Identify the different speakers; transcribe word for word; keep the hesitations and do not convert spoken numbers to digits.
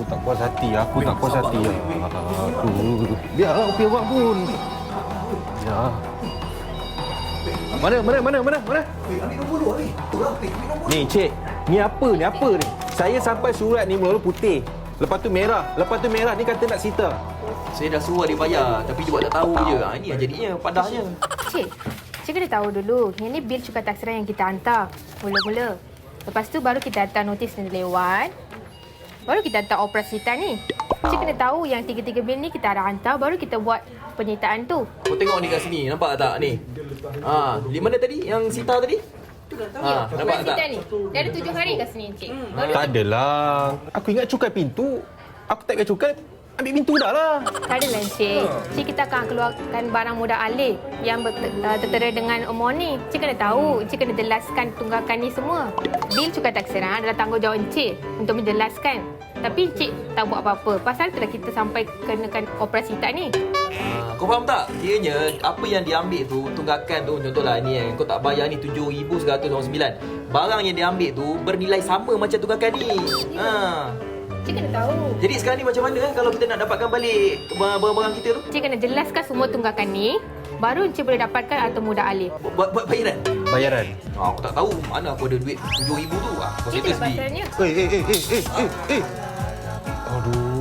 Speaker 1: tak puas hati. Aku tak puas hati. Aduh. Biarlah kopi awak pun. Ya. Mana, mana, mana, mana, mana?
Speaker 2: Eh, ambil nombor dua ni. Tolong, ambil nombor.
Speaker 1: Ni, cik. Ni apa ni? Apa ni? Saya sampai surat ni mula-mula putih. Lepas tu merah. Lepas tu merah ni kata nak sita.
Speaker 3: Saya dah suruh dia bayar, tapi dia buat tak tahu je. Ha, ini yang jadinya padahnya.
Speaker 4: Cik, cik kena tahu dulu. Yang ni bil cukai taksiran yang kita hantar. Mula-mula. Lepas tu baru kita hantar notis ni lewat. Baru kita hantar operasi hitam ni. Cik kena tahu yang tiga-tiga bil ni kita dah hantar. Baru kita buat penyitaan tu.
Speaker 3: Kau tengok ni kat sini, nampak tak ni? Ha, di mana tadi? Yang Sita tadi? Ha, nampak
Speaker 4: Operasi
Speaker 3: tak?
Speaker 4: hitam ni. Dia ada tujuh hari kat sini, cik. Baru
Speaker 1: Tak adalah. Aku ingat cukai pintu. Aku tak ingat cukai. Ambil pintu dah lah.
Speaker 4: tak adalah, cik. Cik kita akan keluarkan barang mudah alih yang ber- uh, tertera dengan umur ni. Cik kena tahu. Cik kena jelaskan tunggakan ni semua. Bil cukai taksiran adalah tanggungjawab cik untuk menjelaskan. Tapi cik tak buat apa-apa. Pasal itulah kita sampai kenakan operasi hitam ni.
Speaker 3: Ha, kau faham tak? Kiranya apa yang diambil tu, tunggakan tu, contohlah ni kan, kau tak bayar ni tujuh ribu seratus sembilan. Barang yang diambil tu bernilai sama macam tunggakan ni. Ha.
Speaker 4: Cik kena tahu.
Speaker 3: Jadi sekarang ni macam mana eh kalau kita nak dapatkan balik barang-barang kita tu?
Speaker 4: Cik kena jelaskan semua tunggakan ni. Baru cik boleh dapatkan atau mudah alih.
Speaker 3: Buat buat bayaran.
Speaker 1: Bayaran.
Speaker 3: Ha, aku tak tahu mana aku ada duit tujuh ribu tu. Ah, kau
Speaker 4: Cik
Speaker 3: settle
Speaker 4: kena
Speaker 3: sendiri.
Speaker 4: pasalnya.
Speaker 1: Eh, eh, eh, eh, eh, eh, eh. Aduh.